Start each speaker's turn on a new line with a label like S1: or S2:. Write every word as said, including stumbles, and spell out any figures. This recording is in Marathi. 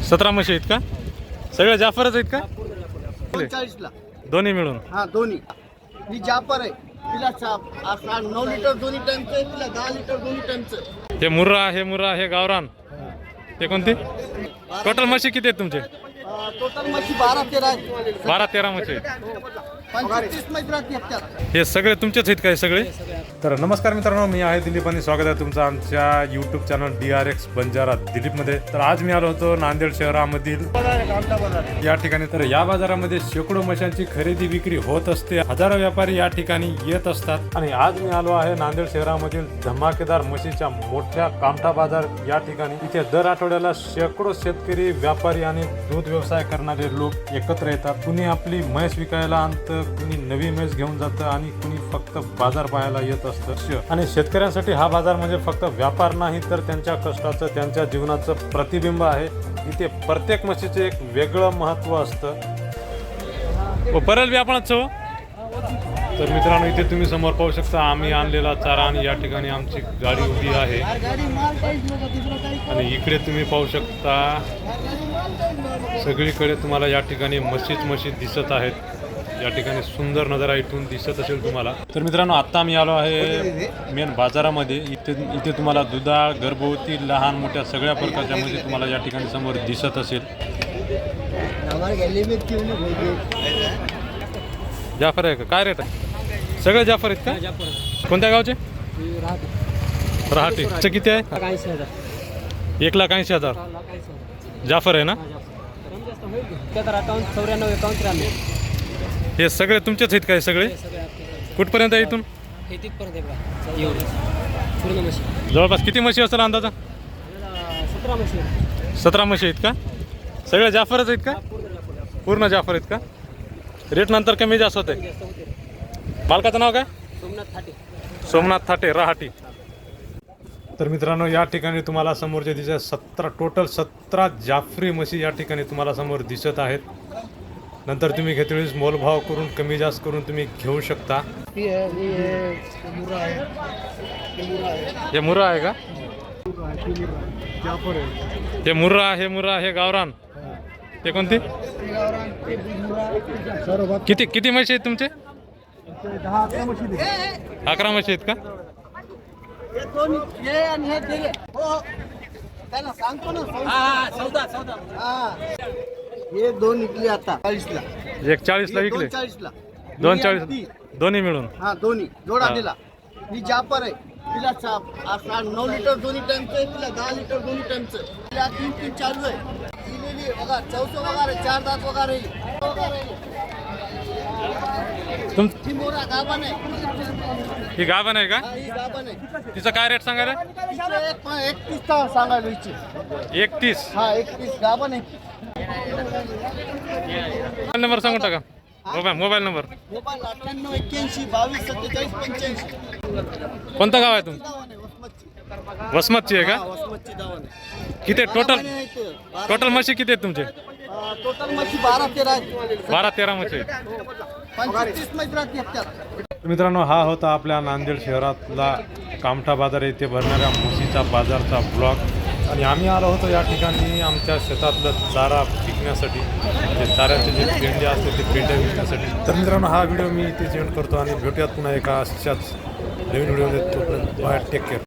S1: सतरा म्हशी आहेत का? सगळे जाफरच आहेत का?
S2: चाळीस ला
S1: दोन्ही मिळून?
S2: हा दोन्ही. ही जाफर आहे, तिला साप आठ नऊ लिटर दोन्ही टाइमचं आहे, तिला दहा लिटर दोन्ही टाइमचं.
S1: हे मुर्रा, हे मुर्रा, हे गावरान, ते कोणते? टोटल म्हशी किती आहेत तुमचे?
S2: टोटल म्हशी बारा तेरा आहेत.
S1: बारा तेरा म्हशी आहेत.
S2: पंचवीस म्हशी राहते हप्त्यात.
S1: हे सगळे तुमचेच आहेत काय सगळे? तर नमस्कार मित्रांनो, मी आहे दिलीप आणि स्वागत आहे तुमचं आमच्या YouTube channel D R X Banjara दिलीपमध्ये. तर आज मी आलो होतो नांदेड शहरामधील या ठिकाणी. तर या बाजारामध्ये शेकडो म्हशांची खरेदी विक्री होत असते. हजारो व्यापारी या ठिकाणी येत असतात. आणि आज मी आलो आहे नांदेड शहरामधील धमाकेदार म्हशीच्या मोठ्या कामठा बाजार या ठिकाणी. इथे दर आठवड्याला शेकडो शेतकरी, व्यापारी आणि दूध व्यवसाय करणारे लोक एकत्र येतात. कुणी आपली म्हैस विकायला आणतं, कुणी नवी म्हैस घेऊन जातं आणि कुणी फक्त बाजार पाहायला येत असतं. आणि शेतकऱ्यांसाठी हा बाजार म्हणजे फक्त व्यापार नाही, तर त्यांच्या कष्टाचं, त्यांच्या जीवनाचं प्रतिबिंब आहे. इथे प्रत्येक म्हशीचे एक वेगळं महत्त्व असतं. परल व्यापारात हो. तर मित्रांनो, इथे तुम्ही समोर पाहू शकता आम्ही आणलेला चारा आणि या ठिकाणी आमची गाडी उभी आहे. आणि इकडे तुम्ही पाहू शकता सगळीकडे तुम्हाला या ठिकाणी म्हशीच म्हशी दिसत आहेत. या ठिकाणी सुंदर नजारा इथून दिसत असेल तुम्हाला. तर मित्रांनो, आत्ता मी आलो आहे मेन बाजारामध्ये. इथे इथे तुम्हाला दुधाळ, गर्भवती, लहान मोठ्या सगळ्या प्रकारच्या म्हशी तुम्हाला या ठिकाणी समोर दिसत असेल. जाफर आहे का? काय रेट आहे? सगळे जाफर आहेत का? कोणत्या गावचे? रहाटी. किती आहे? एक लाख ऐंशी हजार जाफर आहे ना? हे सगळे तुमचेच आहेत काय सगळे? कुठपर्यंत आहे इथून? जवळपास किती म्हशी असेल अंदाजा? सतरा म्हशी आहेत का? सगळे जाफरच आहेत का? पूर्ण जाफर आहेत का? रेट नंतर कमी जास्त होते. मालकाचं नाव काय?
S2: सोमनाथ थाटे.
S1: सोमनाथ थाटे, रहाटी. तर मित्रांनो, या ठिकाणी तुम्हाला समोरचे दिसत सतरा टोटल सतरा जाफरी म्हशी या ठिकाणी तुम्हाला समोर दिसत आहेत. नंतर तुम्ही घेतलेलीच मोलभाव करून कमी जास्त करून तुम्ही घेऊ शकता. हे मुर्रा आहे का? हे मुर्रा, हे मुर्रा, हे गावरान, ते कोणते? किती किती म्हशी आहेत तुमचे? अकरा म्हशी आहेत का?
S2: हे दोन विकले आता चाळीस ला.
S1: एक चाळीस ला विकले?
S2: चाळीस ला
S1: दोन चाळीस दोन्ही मिळून?
S2: हा दोन्ही जोडा दिला. ही जापर आहे, तिला साप आठ नऊ लिटर दोन्ही टाइमचं आहे, तिला दहा लिटर दोन्ही टाइमचं. तिला तीन तीन चालू आहे. दिलेली बघा चौसो वगैरे चार दात वगैरे. ही मोरा गाभण आहे.
S1: ही गाभण आहे का?
S2: ही गाभण आहे.
S1: तिचा काय रेट सांगायला?
S2: एकतीस सांगायला इच्छे.
S1: एकतीस?
S2: हा एकतीस गाभण आहे.
S1: मोबाईल नंबर सांगून टाका. Mobile mobile number?
S2: मोबाईल अठ्ठ्याण्णव एक्क्याऐंशी बावीस सत्तेचाळीस पंच्याऐंशी.
S1: कोणतं गाव आहे तुम? वसमतची आहे का?
S2: वसमतची दावण आहे.
S1: किती टोटल? टोटल म्हशी किती आहेत तुमचे?
S2: टोटल म्हशी बारा तेरा आहेत.
S1: बारा तेरा म्हशी.
S2: पंचवीस म्हशी राहते हप्त्यात.
S1: मित्रांनो, हा होता आपल्या नांदेड शहरातला कामठा बाजार येथे भरणाऱ्या म्हशीचा बाजारचा ब्लॉग. आणि आम्ही आलो होतो या ठिकाणी आमच्या शेतातलं चारा विकण्यासाठी, जे चाऱ्याचे जे पेंडे असते ते पेंडे विकण्यासाठी. तर मित्रांनो, हा व्हिडिओ मी इथे सेंड करतो आणि भेटूयात पुन्हा एका अशाच नवीन व्हिडिओमध्ये. तोपर्यंत बाय, टेक केअर.